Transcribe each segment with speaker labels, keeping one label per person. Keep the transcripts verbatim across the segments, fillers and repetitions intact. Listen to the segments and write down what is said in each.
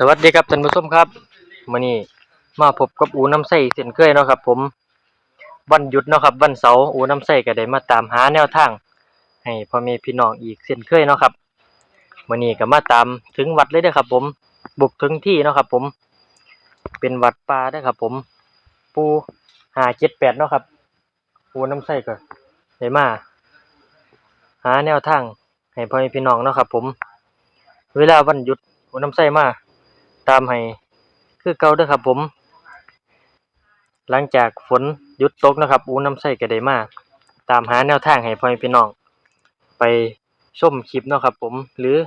Speaker 1: วัสดีครับท่านผู้ชมครับมื้อนี้มาพบกับอูน้ำใสเช่นเคยเนาะครับผมวันหยุดเนาะครับวันเสาร์อูน้ำใสก็ได้มาตามหาแนวทางให้พ่อแม่พี่น้องอีกเช่นเคยเนาะครับมื้อนี้ก็มาตามถึงวัดเลยเด้อครับผมบุกถึงที่เนาะครับผมเป็นวัดป่าเด้อครับผมปู่ห้า เจ็ด แปดเนาะครับอูน้ำใสก็ได้มาหาแนวทางให้พ่อแม่พี่น้องเนาะครับผมเวลาวันหยุดอูน้ำใสมาตามให้คือเก่าเด้อครับผมหลังจากฝนหยุดตกนะครับอูน้ำใสก็ได้มาตามหาแนวทางให้พ่อแม่พี่น้องไปชมคลิปเนาะครับผมหรือ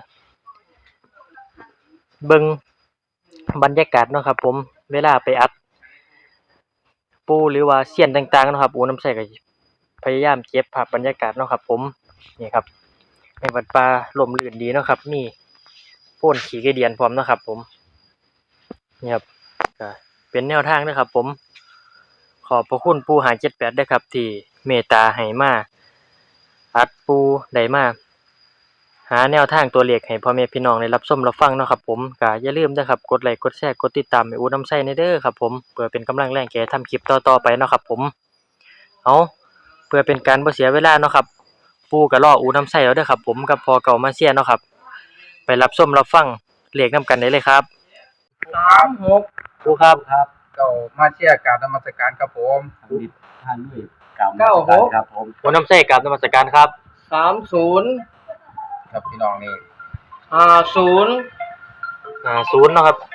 Speaker 1: เบิ่งบรรยากาศเนาะครับผมเวลาไปอัดปูหรือว่าเสี้ยนต่างๆเนาะครับอูน้ำใสก็พยายามเก็บภาพบรรยากาศเนาะครับผมนี่ครับในวัดป่าร่มรื่นดีเนาะครับมีโพ่นขี้ไก่เดือนพร้อมเนาะครับผมนี่ครับก็เป็นแนวทางนะครับผมขอบพระคุณปู่ห้า เจ็ด แปดด้วยครับที่เมตตาให้มาอัดปูได้มาหาแนวทางตัวเลขให้พ่อแม่พี่น้องได้รับชมรับฟังเนาะครับผมก็อย่าลืมนะครับกดไลค์กดแชร์กดติดตามให้อูน้ำใสในเด้อครับผมเพื่อเป็นกำลังแรงแก่ทำคลิปต่อๆไปเนาะครับผมเอาเพื่อเป็นการบ่เสียเวลาเนาะครับปู่ก็รออูน้ำใสแล้วเด้อครับผมกับพอเก่ามาเชียร์เนาะครับไปรับชมรับฟังเลขนำกันได้เลยครับ
Speaker 2: สามหก
Speaker 1: ปู่ครับ
Speaker 2: ครับเก้ามาเชียร์การนมัสการครับผม
Speaker 3: ดิท่านด้วยกล่าวมาสการครับผม
Speaker 1: อูน้ำใสกราบนมัสการครับ
Speaker 2: สามศูนย์ครับพี่น้องนี่
Speaker 1: ห้าศูนย์ห้าศูนย์เนาะครับ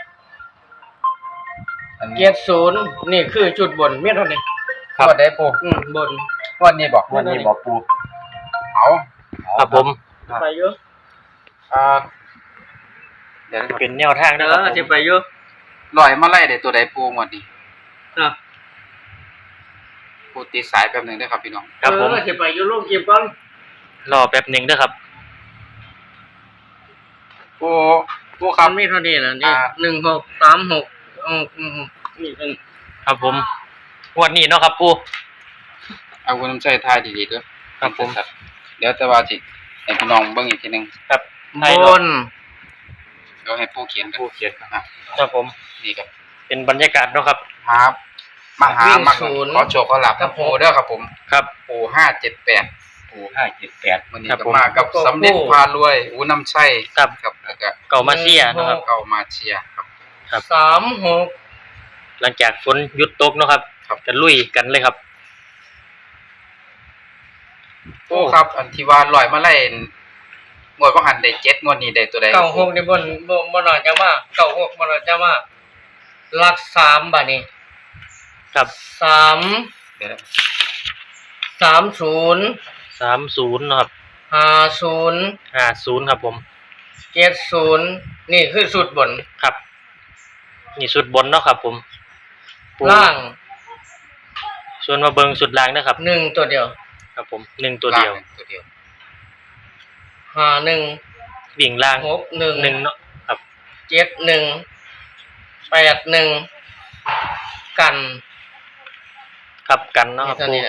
Speaker 2: เจ็ดศูนย์นี่คือจุดบนเมียเท่านี้ครับได้ปูอืมบนวันนี้บอก
Speaker 3: วันนี้บอกปู
Speaker 2: เอา
Speaker 1: ครับผม
Speaker 2: ไปเยอะอ่า
Speaker 1: เดี๋ยวเป็นแนวทางนะครับผม
Speaker 2: สิไปเยอะลอยมาไล่ได้ตัวใดปูหมดนี่อ่ะปูตีสายแป๊บนึงได้ครับพี่น้อง
Speaker 1: ครับผม
Speaker 2: สิไปอยู่ลงคลิปก่อน
Speaker 1: รอแป๊บนึงเด้อครับ
Speaker 2: ปูปูคำมีเท่านี้นะนี่หนึ่งหกสามหกอืมอืมนี่เป็น
Speaker 1: ครับผมวันนี้เนาะครับปู
Speaker 2: เอาคุณน้ำใจทายดีๆด้วย
Speaker 1: ครับผม
Speaker 2: เดี๋ยวแต่ว่าจิให้พี่น้องเบิ่งอีกทีนึง
Speaker 1: ครับ
Speaker 2: บนเดี๋ยวให้ปูเขียนกัน
Speaker 1: ปูเขียนครับครับผม
Speaker 2: นี่ครับ
Speaker 1: เป็นบรรยากาศเนาะครับ
Speaker 2: ครับมหามาขอโชคขอลาภครับปูเด้อครับผม
Speaker 1: ครับ
Speaker 2: ปูห้าเจ็ดแปด
Speaker 3: ปูห้าเจ็ดแปด
Speaker 2: วันนี้ก็มากับสำเร็จพารวยอูน้ำใช่
Speaker 1: ครับ
Speaker 2: ครับแล้วก็
Speaker 1: เก่ามาเชียร์นะครับ
Speaker 2: เก่ามาเชียร์ครับ
Speaker 1: ครับ
Speaker 2: สามหก
Speaker 1: หลังจากฝนหยุดตกเนาะครับจะลุยกันเลยครับ
Speaker 2: โอ้ครับอันที่ว่าลอยมาไล่งวดบ่หันได้เจ็ดงวดนี้ได้ตัวใดเก้าหกนี่บ่บ่บ่น่าจะมาเก้าหกบ่น่าจะมาหลักสามบัดนี้
Speaker 1: ครับ
Speaker 2: สามเดี๋ยวสามศูนย์
Speaker 1: สามศูนย์เนาะครับ
Speaker 2: ห้าศูนย์
Speaker 1: ห้าศูนย์ครับผม
Speaker 2: เจ็ดศูนย์นี่คือสุดบน
Speaker 1: ครับนี่สุดบนเนาะครับผม
Speaker 2: ล่าง
Speaker 1: ส่วนมาเบิ่งสุดล่างนะครับ
Speaker 2: หนึ่งตัวเดียว
Speaker 1: ครับผมหนึ่งตัวเดียว
Speaker 2: ตัวเดียวห้าหนึ่ง
Speaker 1: วิ่งล่าง
Speaker 2: หกหนึ่ง
Speaker 1: หนึ่งเนาะครับ
Speaker 2: เจ็ดหนึ่งแปดหนึ่งกัน
Speaker 1: ครับกันเนาะครับปู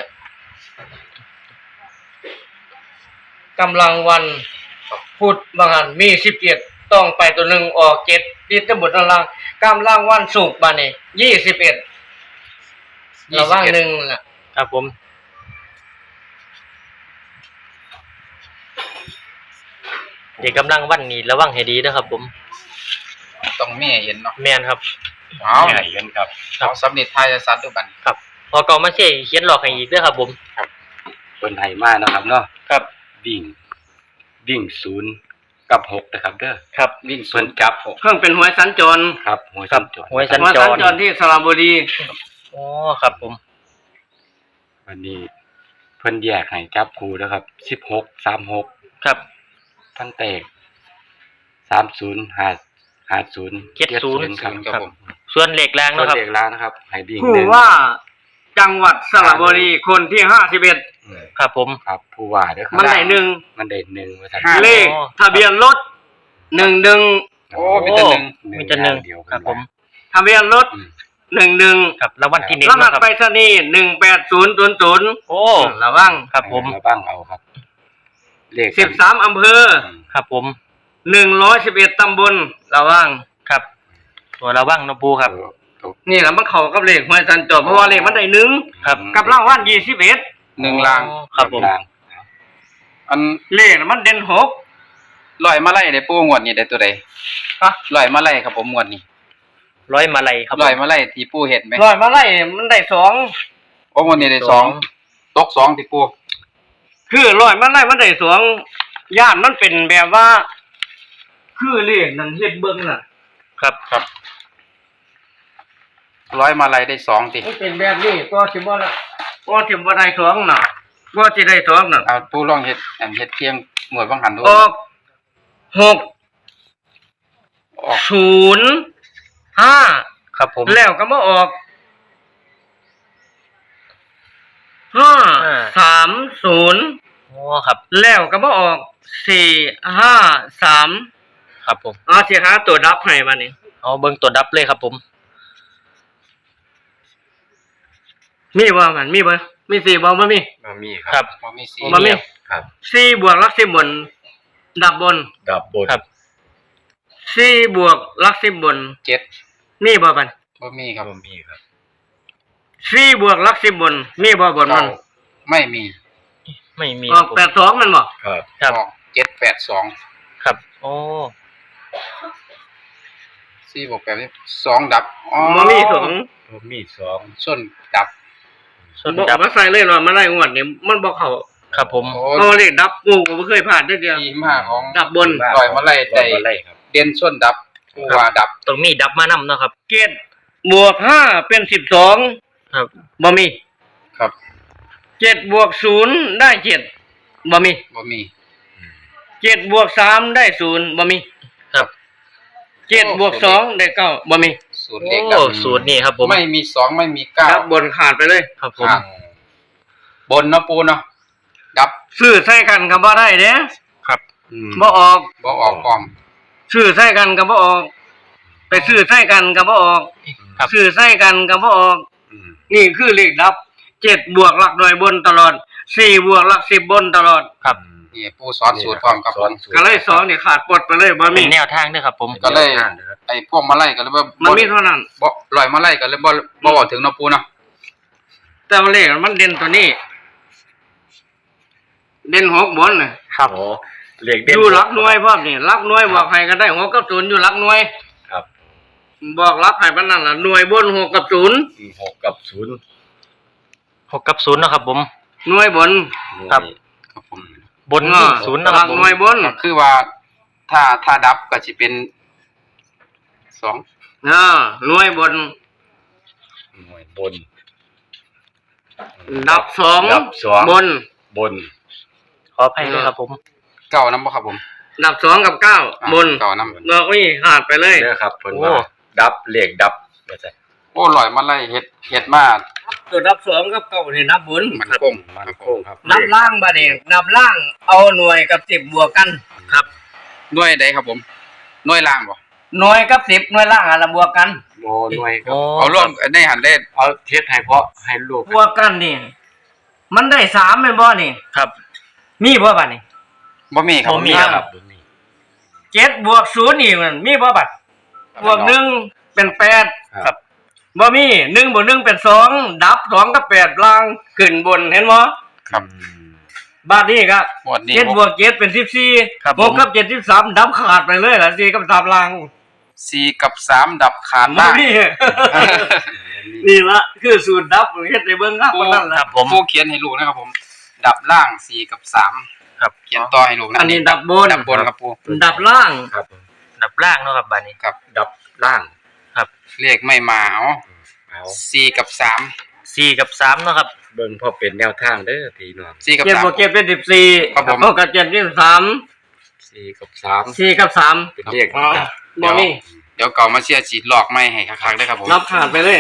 Speaker 2: กำลังวันพุธบางอันมีสิบเจ็ดต้องไปตัวหนึ่งออกเจ็ดดิสบทล่างกำลังวันศุกร์บานี่ยี่สิบเอ็ดระว่างหนึ่งล่ะ
Speaker 1: ครับผมเด็กกำลังวันนี้ระวังให้ดีนะครับผม
Speaker 2: ต้องแม่เห็นเนาะ
Speaker 1: แม่นครับ
Speaker 3: เอาแม่เห็นครับ
Speaker 2: เอาสำเร็จทายสัตว์ด้วยบัด
Speaker 1: ครับพอเก่ามาเช่เขียนหลอกให้อีกเด้อครับผม
Speaker 3: ครับเพิ่นให้มานะครับเนาะ
Speaker 1: ครับ
Speaker 3: วิ่งวิ่งศูนย์กับหกนะครับเด้อ
Speaker 1: ครับ
Speaker 3: วิ่งเพิ่นจับหก
Speaker 2: เพิ่งเป็นหวยสัญจร
Speaker 3: ครับหวยสัญจร
Speaker 1: หวยสัญจร
Speaker 2: ที่สระบุรี
Speaker 1: อ๋อครับผม
Speaker 3: วันนี้เพิ่นแยกให้จับคู่นะครับสิบหก สามหก
Speaker 1: ครับ
Speaker 3: ทั้งแตกสามศูนย์ ห้า ห้าศูนย์
Speaker 1: เจ็ดศูนย์
Speaker 3: ครับผม
Speaker 1: ส่วนเลขล่างนะครับ
Speaker 3: ส่วนเลขล่างนะครับให้ดิ่ง
Speaker 2: ผู้ว่าจังหวัดสระบุรีคนที่ห้าสิบเอ็ด
Speaker 1: ครับผม
Speaker 3: ครับผู้ว่าเด้อครับ
Speaker 2: มันได้หนึ่ง
Speaker 3: มันได้หนึ่งว่าซั่
Speaker 2: นเลขทะเบียนรถหนึ่งหนึ่ง
Speaker 1: โอ้มีแต่หนึ่งมีแต่หนึ่งครับผม
Speaker 2: ทะเบียนรถหนึ่งหนึ่ง
Speaker 1: ครับรางวัลที่หนึ่ง
Speaker 2: รหัสไปรษณีย์หนึ่งแปดศูนย์ศูนย์ศูนย์
Speaker 1: โอ้
Speaker 2: ระวัง
Speaker 1: ครับผม
Speaker 3: ระวังเอาครับ
Speaker 2: เลขสิบสามอำเภอ
Speaker 1: ครับผม
Speaker 2: หนึ่งร้อยสิบเอ็ดตำบลระวัง
Speaker 1: ครับตัวระวังเนาะปูครับ
Speaker 2: นี่แหละมันเข้ากับเลขหวยสัญจรเพราะว่าเลขมันได้หนึ่ง
Speaker 1: ครับ
Speaker 2: กับรางวัลยี่สิบเอ็ด
Speaker 4: หนึ่งลาง
Speaker 1: ครับผม
Speaker 4: อัน
Speaker 2: เลขน่ะมันเด่นหก
Speaker 4: ลอยมาไล่ได้ปูงวดนี้ได้ตัวใด
Speaker 2: ฮะ
Speaker 4: ลอยมาไล่ครับผมงวดนี้
Speaker 1: ร้อยมาลัยครับ
Speaker 4: ลอยมาไล่ที่ปูเห็นไหม
Speaker 2: ร้อยมาไล่มันได้สอง
Speaker 4: โอ้งวดนี้ได้สองตกสองที่ปู
Speaker 2: คือร้อยมาไล่มันได้สองย่านมันเป็นแบบว่า คือเลขนั่นเฮ็ดเบิ่งน่ะ
Speaker 1: ครับ
Speaker 4: ครับร้อยมาไล่ได้สองติ
Speaker 2: มันเป็นแบบนี้ก็สิบ่ละก็สิบ่ได้สองน่ะก็สิได้สองน่ะ
Speaker 4: เอาปูลองเฮ็ดอันเฮ็ดเพียงหมวดบางหันดู
Speaker 2: ออกหก
Speaker 4: ออก
Speaker 2: ศูนย์ห้า
Speaker 1: ครับผม
Speaker 2: แล้วก็มาออกห้า
Speaker 1: ห้า
Speaker 2: สามศูนย์
Speaker 1: โอ้ครับ
Speaker 2: แล้วก็มาออกสี่ห้าสาม
Speaker 1: ครับผม
Speaker 2: เอาสิหาตัวดับให้มานี่
Speaker 1: เอาเบิ่งตัวดับเลยครับผม
Speaker 2: มีบ่มันมีบ่มีสี่บ่บ่มี
Speaker 3: มามีค
Speaker 1: ครั
Speaker 3: รับ
Speaker 4: บ่มีสี
Speaker 2: บ่มี
Speaker 3: ครับ
Speaker 2: สี่บวกหลักสิบบน ดับบน
Speaker 3: ดับบน
Speaker 1: ครับ
Speaker 2: สี่บวกหลักสิบบน
Speaker 4: เจ็ด
Speaker 2: มีบ่บัน
Speaker 4: บ่มีครับ
Speaker 3: มามีครับ
Speaker 2: สี่บวกหลักสิบบน มีบ่บนมัน
Speaker 4: เก้าไม่มี
Speaker 1: ไม่มี
Speaker 2: ออกแปดสองมันบ่
Speaker 3: ครับ
Speaker 1: ครับ
Speaker 4: ออกเจ็ดแปดสอง
Speaker 1: ครับโอ้
Speaker 4: สี่บวกแปดสองดับอ๋อ
Speaker 2: บ่มีสอง
Speaker 3: มามีสอง
Speaker 4: ส้นดับ
Speaker 1: ส่วน
Speaker 2: บ่
Speaker 1: ดับ
Speaker 2: มาใส่เลยว่ามาไล่งวดนี่มันบ่เข้า
Speaker 1: ครับผม
Speaker 4: โอ้
Speaker 2: เอาเลขดับกูก็บ่เคยผ่านจักเดียว
Speaker 4: ทีมาของ
Speaker 2: ดับบน
Speaker 4: ลอยมาไล่
Speaker 3: ล
Speaker 4: ได้
Speaker 3: อยมาไล่ครับ
Speaker 4: เด่นส้นดับปูว่าดับ
Speaker 1: ตรงนี้ดับมานำเนาะครับ
Speaker 2: เจ็ดบวกห้าเป็นสิบสอง
Speaker 1: ครับ
Speaker 2: บ่มี
Speaker 4: ครับ
Speaker 2: เจ็ดบวกศูนย์ได้เจ็ดบ่มี
Speaker 4: บ่มี
Speaker 2: เจ็ดบวกสามได้ศูนย์บ่มี
Speaker 1: ครับ
Speaker 2: เจ็ดบวกสองได้เก้าบ่มี
Speaker 4: สูตรเด็กดั
Speaker 1: โอ้
Speaker 4: บ
Speaker 1: สูตรนี่ครับผม
Speaker 4: ไม่มีสองไม่มีเก้า
Speaker 2: ดับบนขาดไปเลย
Speaker 1: ครับผม
Speaker 4: ครับ บนเนาะปูเนาะดับ
Speaker 2: ซื้อใส่กันก็บ่ได้เด้
Speaker 1: ครับ
Speaker 3: อืม
Speaker 2: บ่ออก
Speaker 4: บ่ออกพร้อม
Speaker 2: ซื้อใส่กันก็บ่ออก ไปซื้อใส่กันก็บ่ออก
Speaker 1: ครับ
Speaker 2: ซื้อใส่กันก็บ่ออก
Speaker 3: อืม
Speaker 2: นี่คือเลขดับเจ็ดบวกหลักหน่วยบนตลอดสี่บวกหลักสิบบนตลอด
Speaker 1: ครับ
Speaker 4: นี่ปูสอนสูตรพร้อมครับผม
Speaker 2: ก็เลยสองนี่ขาดปลดไปเลยบ่
Speaker 1: เป็
Speaker 2: มี
Speaker 1: นแนวทางด้วยครับผม
Speaker 4: ก็เลย ไอ้พวกมาไล่ก็เลยว่า
Speaker 2: มันมีเท่านั้น
Speaker 4: บ่ลอยมาไล่ก็เลยบ่บ่บอกถึงเนาะปูเนาะ
Speaker 2: แต่ว่าเลขมันเด่นตัวนี้ เด่นหกบนน่ะ
Speaker 1: ครับ
Speaker 3: โอ้เหล็กเด่น
Speaker 2: อยู่หลักหน่วยพร้อมนี่หลักหน่วยบอกให้ก็ได้หกกับศูนย์อยู่หลักหน่วย
Speaker 3: ครับ
Speaker 2: บอกรับให้ปานนั้นล่ะหน่วยบนหกกับศูนย์
Speaker 3: อืมหกกับศูนย์
Speaker 1: หกกับศูนย์เนาะครับผม
Speaker 2: หน่วยบน
Speaker 1: ครับ
Speaker 4: ครับผม
Speaker 1: บนนี่ศูนย์เนาะ
Speaker 2: ห
Speaker 1: ค
Speaker 2: ลั
Speaker 1: รับ
Speaker 2: ก
Speaker 1: ผม
Speaker 2: หน่วยบน
Speaker 4: ก็คือว่าถ้าถ้าดับก็สิเป็นสอง
Speaker 2: อ่าหน่วยบน
Speaker 3: หน่วยบน
Speaker 2: ดับสอง
Speaker 3: ดับสอง
Speaker 2: บน
Speaker 3: บน
Speaker 1: ขออภัยด้วยครับผม
Speaker 4: เก้านำบ่ครับผม
Speaker 2: ดับสองกับเก้า
Speaker 4: อ่ะ
Speaker 2: บน
Speaker 4: เก้านำ
Speaker 2: บอกนี่ขาดไปเลย
Speaker 3: เด้อครับเพิ่น
Speaker 1: โอ้
Speaker 3: ว่าดับเหล็กดับว่าซั่น
Speaker 4: โอ้ลอยมาไล่เฮ็ดเฮ็ดมา
Speaker 2: ตัวดับสองกับเก้านี่นับบน
Speaker 4: มันคง
Speaker 3: มันโคงครับ
Speaker 2: นับล่างบาดเองนับล่างเอาหน่วยกับสิบบวกกัน
Speaker 1: ครับ
Speaker 4: หน่วยใดครับผมหน่วยล่างบ่
Speaker 2: หน่วยกับสิบหน่วยล่างอะละบวกกัน
Speaker 3: โอ้หน่วยครับ
Speaker 1: โอ้
Speaker 4: เอารวมในหันได้
Speaker 3: เอาเทศให้เพราะให้ลูก
Speaker 2: บวกกันนี่มันได้สามเป็นบ่นี่
Speaker 1: ครับ
Speaker 2: มีบ่บัดนี่
Speaker 4: บ่มีครับ
Speaker 1: บ่มี
Speaker 3: ครับบ่มี
Speaker 2: เจ็ดบวกศูนย์อีกมันมีบ่บัดบวกหนึ่งเป็นแปด
Speaker 3: ครับ
Speaker 2: บ่มีหนึ่งบวกหนึ่งเป็นสองดับสองกับแปดล่างขึ้นบนเห็นบ่
Speaker 4: ครับ
Speaker 3: อืม
Speaker 2: บาดนี้ก็
Speaker 4: หมวดนี้
Speaker 2: เจ็ดบวกเจ็ดเป็นสิบสี่
Speaker 1: ครับ
Speaker 2: ห
Speaker 1: ผ
Speaker 2: ก
Speaker 1: ม
Speaker 2: กับเจ็ดสิบสามดับขาดไปเลยล่ะสี่กับสามล่าง
Speaker 4: สี่กับสามดับขาด
Speaker 2: บ่
Speaker 4: ล่าง
Speaker 2: มี นี่ละคือสูตรดับเฮ็ดให้เบิ่งครับว่านั่น
Speaker 1: ค
Speaker 2: ล่ะ
Speaker 1: รับผม
Speaker 4: ผู้เขียนให้ลูกนะครับผม ดับล่างสี่กับสาม
Speaker 1: ครับ
Speaker 4: เขียนต่อให้ลูกนะ
Speaker 2: อันนี้ดับบน
Speaker 4: ดับบนครับปู
Speaker 2: ดับล่าง
Speaker 3: ครับ
Speaker 1: ดับล่างเนาะครับบานนี้
Speaker 4: ครับ
Speaker 3: ดับล่าง
Speaker 4: เลขไม่มาเอา
Speaker 3: เอา
Speaker 4: สี่กับสาม
Speaker 1: สี่กับสามเนาะครับ
Speaker 3: เบิ่งพอเป็นแนวทางเด้อพี่น้อง
Speaker 4: สี่กับ
Speaker 2: เจ็ด
Speaker 4: สาม
Speaker 2: บวกเจ็ดเป็นสิบสี่
Speaker 4: ครับผม
Speaker 2: หกกับเจ็ดเป็นสาม
Speaker 3: สี่กับสาม
Speaker 2: สี่กับสาม
Speaker 3: เป็นเลข
Speaker 2: อ๋อบ่มี
Speaker 4: เดี๋ยวเก่ามาเชียร์ฉีดหลอกไม่ให้คักๆได้ครับผม
Speaker 2: นับขาดไปเลย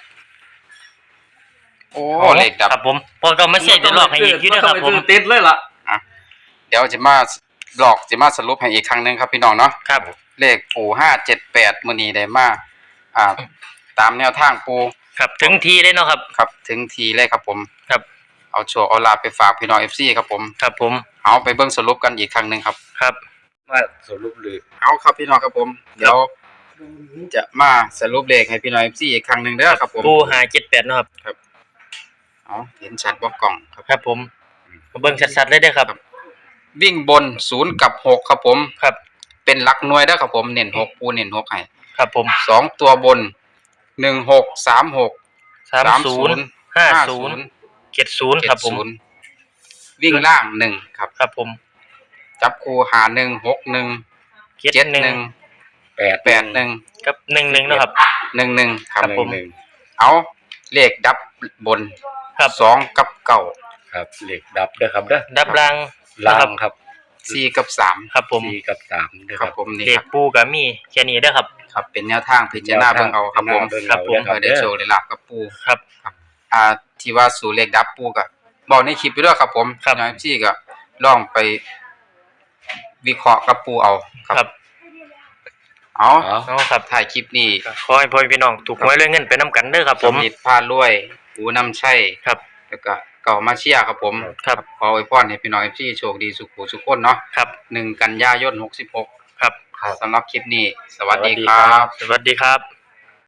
Speaker 4: โอ้เลขดับ
Speaker 1: ครับผมพอก็มาเสียจะลอกให้อีกอยู่นะครับผม
Speaker 2: ต้องไปซื้อติดเลยล่ะ
Speaker 4: เดี๋ยวจะมาหลอกจะมาสรุปให้อีกครั้งหนึงครับพี่น้องเนาะ
Speaker 1: ครับ
Speaker 4: เลขปูห้าเจ็ดแปดมื้อนี้ได้มาอ่า ตามแนวทางปู
Speaker 1: ครับถึงทีเลยเนาะครับ
Speaker 4: ครับถึงทีเลยครับผม
Speaker 1: ครับ
Speaker 4: เอาโชว์เอาลาบไปฝากพี่น้อง เอฟ ซี ครับผม
Speaker 1: ครับผม
Speaker 4: เอาไปเบิ่งสรุปกันอีกครั้งหนึงครับ
Speaker 1: ครับ
Speaker 3: มาสรุปเลย
Speaker 4: เอาครับพี่น้องครับผม เดี๋ยวจะมาสรุปเลขให้พี่น้อง เอฟ ซี อีกครั้งหนึ่งเด้อครับผม
Speaker 1: ปูห้าเจ็ดแปดเนาะครับ
Speaker 4: เอาเห็นชัดบ่กล่องครับ
Speaker 1: ครับผมมาเบิ่งชัดๆเลยเด้อครับ
Speaker 4: วิ่งบนศูนย์กับหกครับผม
Speaker 1: ครับ
Speaker 4: เป็นหลักหน่วยเด้อครับผมเน้นหกปูเน้นหกให้
Speaker 1: ครับผม
Speaker 4: สองตัวบนหนึ่งหกสามหก
Speaker 1: สามศูนย์ห้าศูนย์เจ็ดศูนย์ครับผม
Speaker 4: วิ่งล่างหนึ่งครับ
Speaker 1: ครับผม
Speaker 4: จับคู่หาหนึ่งหกหนึ่ง
Speaker 1: เจ็ด
Speaker 4: เจ็ด
Speaker 1: หนึ่ง
Speaker 4: หนึ่ง
Speaker 3: แปด
Speaker 4: แปดหนึ่ง
Speaker 1: กับหนึ่งหนึ่งเนาะครับ
Speaker 4: หนึ่งหนึ่งครับ
Speaker 1: ครับผม
Speaker 3: หนึ่ง
Speaker 4: เอาเลขดับบน
Speaker 1: ครับ
Speaker 4: สองกับเก้า
Speaker 3: ครับเลขดับเด้อครับเด้อ
Speaker 1: ดับราง
Speaker 3: ล่า
Speaker 1: นะครับ
Speaker 3: งครับ
Speaker 4: สี่กับสาม
Speaker 1: ครับผม
Speaker 3: สี่กับสามเด้อ
Speaker 4: ค
Speaker 3: ค
Speaker 4: รั
Speaker 3: รั
Speaker 4: บบ ผมนี่
Speaker 1: เด็
Speaker 4: ค
Speaker 1: ก
Speaker 4: รับ
Speaker 1: ปูกับมีแค่นี้เด้อครับ
Speaker 4: ครับเป็นแนวทางพิจารณาเบิ่งเอาครับผม
Speaker 3: เบิ่ง
Speaker 1: ครั
Speaker 3: เอา
Speaker 1: บผม
Speaker 3: เด้อค
Speaker 4: เพื่
Speaker 3: รั
Speaker 4: อบ ได้
Speaker 3: เด้อ
Speaker 4: โชว์ได้ลาบกับปู
Speaker 1: ครับ
Speaker 4: อ่าที่ว่าสู่เลขดับปูก็บอกในคลิปไปด้วยครับผม
Speaker 1: ครับ
Speaker 4: น้อยพี่ก็ลองไปวิเคราะห์กับปูเอา
Speaker 1: ครับ
Speaker 4: เอา
Speaker 3: อ๋อ
Speaker 1: เอาครับ
Speaker 4: ถ่ายคลิปนี้
Speaker 1: ขอให้พ่อพี่น้องถูกหวยเรื่องเงินไปนํกันเด้อครับผม
Speaker 4: สำลิดพารวยปูนำชัย
Speaker 1: ครับ
Speaker 4: แล้วก็เก่ามาเชียร์ครับผม
Speaker 1: ครับ
Speaker 4: ขออวยพรให้พี่น้องพี่โชคดีสุขหูสุขคนเนาะ
Speaker 1: ครับ
Speaker 4: หนึ่งกันยายนหกสิบหก
Speaker 1: ครับ
Speaker 4: สำหรับคลิปนี้ สวัสดี
Speaker 3: สวัสดี
Speaker 4: ครั
Speaker 3: ครับ บ
Speaker 1: สวัสดีครับ